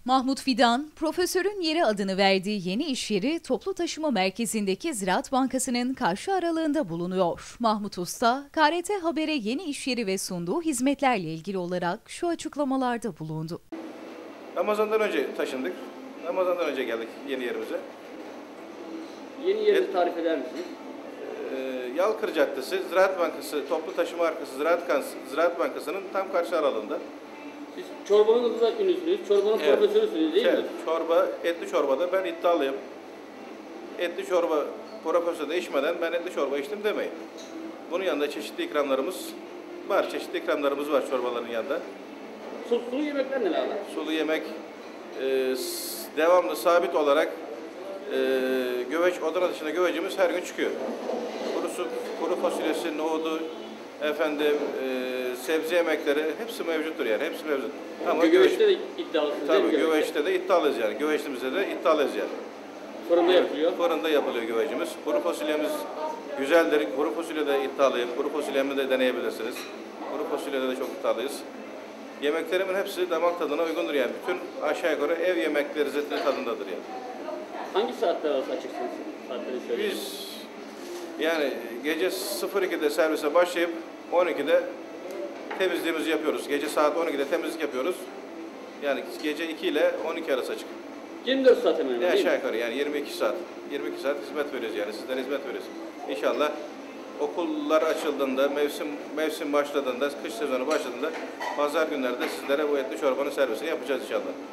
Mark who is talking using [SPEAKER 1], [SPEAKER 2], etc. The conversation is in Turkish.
[SPEAKER 1] Mahmut Fidan, profesörün yeri adını verdiği yeni iş yeri toplu taşıma merkezindeki Ziraat Bankası'nın karşı aralığında bulunuyor. Mahmut Usta, KRT Haber'e yeni iş yeri ve sunduğu hizmetlerle ilgili olarak şu açıklamalarda bulundu.
[SPEAKER 2] Ramazan'dan önce taşındık. Ramazan'dan önce geldik yeni yerimize.
[SPEAKER 3] Yeni yerini tarif eder misiniz?
[SPEAKER 2] Yalkır Caddesi, Ziraat Bankası, toplu taşıma arkası Ziraat Bankası'nın tam karşı aralığında.
[SPEAKER 3] Siz çorbanızla ünlüsünüz, çorbanın profesörüsünüz değil mi?
[SPEAKER 2] Çorba, etli çorbada ben iddialıyım. Etli çorba profesörde içmeden ben etli çorba içtim demeyin. Bunun yanında çeşitli ikramlarımız var. Çeşitli ikramlarımız var çorbaların yanında.
[SPEAKER 3] Sulu yemekler neler var?
[SPEAKER 2] Sulu yemek devamlı sabit olarak göveç, Adana dışında gövecimiz her gün çıkıyor. Kuru fasulyesi, nohudu, sebze yemekleri hepsi mevcuttur yani. Hepsi mevcut. Ama
[SPEAKER 3] Göveçte de iddialısınız değil mi?
[SPEAKER 2] tabii göveçte de iddialıyız yani. Göveçimizde de iddialıyız yani.
[SPEAKER 3] Fırında yapılıyor.
[SPEAKER 2] Fırında yapılıyor göveçimiz. Kuru fasulyemiz güzeldir. Kuru fasulyede iddialıyım. Kuru fasulyemi de deneyebilirsiniz. Kuru fasulyede de çok iddialıyız. Yemeklerimin hepsi damak tadına uygundur yani. Bütün aşağı yukarı ev yemekleri tadındadır yani.
[SPEAKER 3] Hangi saatler arası açıksınız? Saatleri söyleyin.
[SPEAKER 2] Biz yani gece 02'de servise başlayıp 12'de temizliğimizi yapıyoruz. Gece saat 12'de temizlik yapıyoruz. Yani gece 2 ile 12 arası açık.
[SPEAKER 3] 24 saat hemen hemen değil mi?
[SPEAKER 2] Aşağı yukarı yani 22 saat. 22 saat hizmet veriyoruz yani. Sizlere hizmet veriyoruz. İnşallah okullar açıldığında, mevsim başladığında, kış sezonu başladığında pazar günlerde sizlere bu etli çorbanın servisini yapacağız inşallah.